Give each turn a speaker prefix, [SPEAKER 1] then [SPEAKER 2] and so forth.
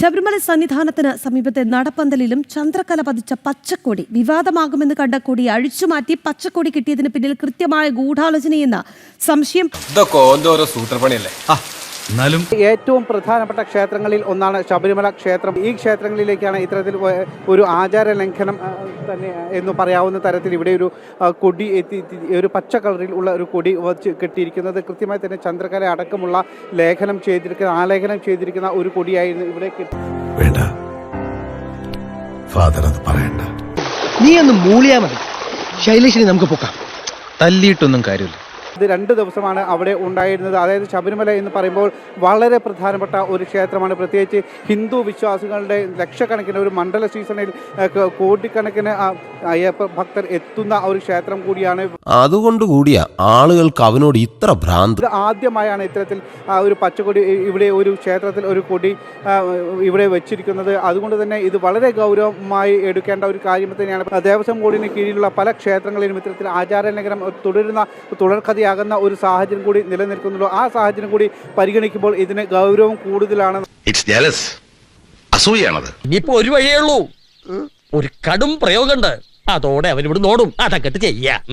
[SPEAKER 1] ശബരിമല സന്നിധാനത്തിന് സമീപത്തെ നടപ്പന്തലിലും ചന്ദ്രക്കല പതിച്ച പച്ചക്കൊടി വിവാദമാകുമെന്ന് കണ്ട കൊടി അഴിച്ചുമാറ്റി പച്ചക്കൊടി കിട്ടിയതിന് പിന്നിൽ കൃത്യമായ ഗൂഢാലോചനയെന്ന സംശയം.
[SPEAKER 2] ഏറ്റവും പ്രധാനപ്പെട്ട ക്ഷേത്രങ്ങളിൽ ഒന്നാണ് ശബരിമല ക്ഷേത്രം. ഈ ക്ഷേത്രങ്ങളിലേക്കാണ് ഇത്തരത്തിൽ ഒരു ആചാര ലംഘനം തന്നെ എന്ന് പറയാവുന്ന തരത്തിൽ ഇവിടെ ഒരു കൊടി ഒരു പച്ച കളറിൽ ഉള്ള ഒരു കൊടി വച്ച് കെട്ടിയിരിക്കുന്നത്. കൃത്യമായി തന്നെ ചന്ദ്രകല അടക്കമുള്ള ആലേഖനം ചെയ്തിരിക്കുന്ന ഒരു കൊടിയായിരുന്നു ഇവിടെ
[SPEAKER 3] വേണ്ട ഫാദർ അത് പറയണ്ട.
[SPEAKER 4] നീ ഒന്ന് മൂളിയാ മതി. ശൈലേഷിനെ നമുക്ക് പൊക്കാം. തല്ലിയിട്ടൊന്നും കാര്യമില്ല.
[SPEAKER 2] ഇത് 2 ദിവസമാണ് അവിടെ ഉണ്ടായിരുന്നത്. അതായത് ശബരിമല എന്ന് പറയുമ്പോൾ വളരെ പ്രധാനപ്പെട്ട ഒരു ക്ഷേത്രമാണ്. പ്രത്യേകിച്ച് ഹിന്ദു വിശ്വാസികളുടെ ലക്ഷക്കണക്കിന് ഒരു മണ്ഡല സീസണിൽ കോടിക്കണക്കിന് അയ്യപ്പ ഭക്തർ എത്തുന്ന ഒരു ക്ഷേത്രം കൂടിയാണ്.
[SPEAKER 5] അതുകൊണ്ട് കൂടിയ ആളുകൾക്ക് അവനോട് ഇത്ര ഭ്രാന്ത്.
[SPEAKER 2] ഇത് ആദ്യമായാണ് ഇത്തരത്തിൽ ഒരു പച്ചക്കൊടി ഇവിടെ ഒരു ക്ഷേത്രത്തിൽ ഒരു കൊടി ഇവിടെ വെച്ചിരിക്കുന്നത്. അതുകൊണ്ട് തന്നെ ഇത് വളരെ ഗൗരവമായി എടുക്കേണ്ട ഒരു കാര്യം തന്നെയാണ്. ദേവസ്വം ബോർഡിന് കീഴിലുള്ള പല ക്ഷേത്രങ്ങളിലും ഇത്തരത്തിൽ ആചാരലംഘനം തുടർക്കഥയാകുന്ന ഒരു സാഹചര്യം കൂടി നിലനിൽക്കുന്നുള്ളൂ. ആ സാഹചര്യം കൂടി പരിഗണിക്കുമ്പോൾ ഇതിന് ഗൗരവം കൂടുതലാണ്.
[SPEAKER 6] ഇനിയിപ്പോ ഒരു വഴിയേ ഉള്ളൂ, ഒരു കടും പ്രയോഗമുണ്ട്. അതോടെ അവനിവിടെ നോടും അതൊക്കെ ചെയ്യാം.